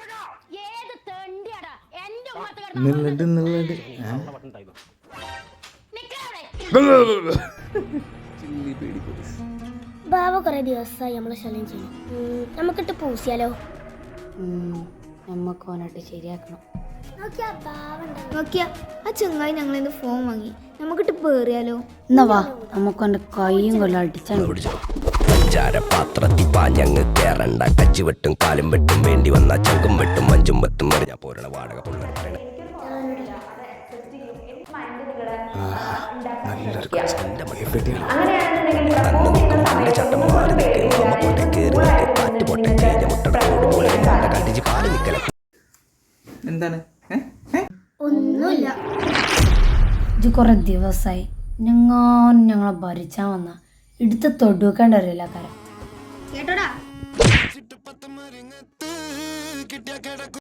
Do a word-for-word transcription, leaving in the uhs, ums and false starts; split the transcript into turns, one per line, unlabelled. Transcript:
നിന്നിട്ട് നിന്നിട്ട്
ബാബ കുറെ ദിവസമായി നമ്മളെ ശല്യം ചെയ്യും. നമുക്കിട്ട് പൂസിയാലോ?
നമ്മക്ക് ഓനായിട്ട് ശരിയാക്കണം.
നോക്കിയാ ആ ചെങ്ങായി ഞങ്ങളിന്ന് ഫോൺ വാങ്ങി. നമുക്കിട്ട് പേറിയാലോ?
എന്നാ വാ, നമുക്ക് ഓൻ്റെ കൈയും കൊല്ലം അടിച്ചാണ്.
പാത്രത്തിൽ പാഞ്ഞങ്ങ് കേറണ്ട. കച്ചി വെട്ടും കാലും വെട്ടും വേണ്ടി വന്ന ചങ്കും വെട്ടും മഞ്ചും വെട്ടും എറിഞ്ഞ പോരണ വാടക പിള്ളേർ പറയണ ചട്ടം മാറി നിൽക്കും പൊട്ടെ കയറി നിൽക്കും കാറ്റ് പൊട്ടെ കഴിഞ്ഞ മുട്ടട പോലെ കടിച്ച് പാടി നിൽക്കല.
എന്താണ്?
ഒന്നുമില്ല.
ഇത് കുറെ ദിവസമായി ഞങ്ങാൻ ഞങ്ങളെ ഭരിച്ചാൽ വന്ന എടുത്ത് തൊടുക്കേണ്ട വരില്ല കാര്യം
കേട്ടോടാ.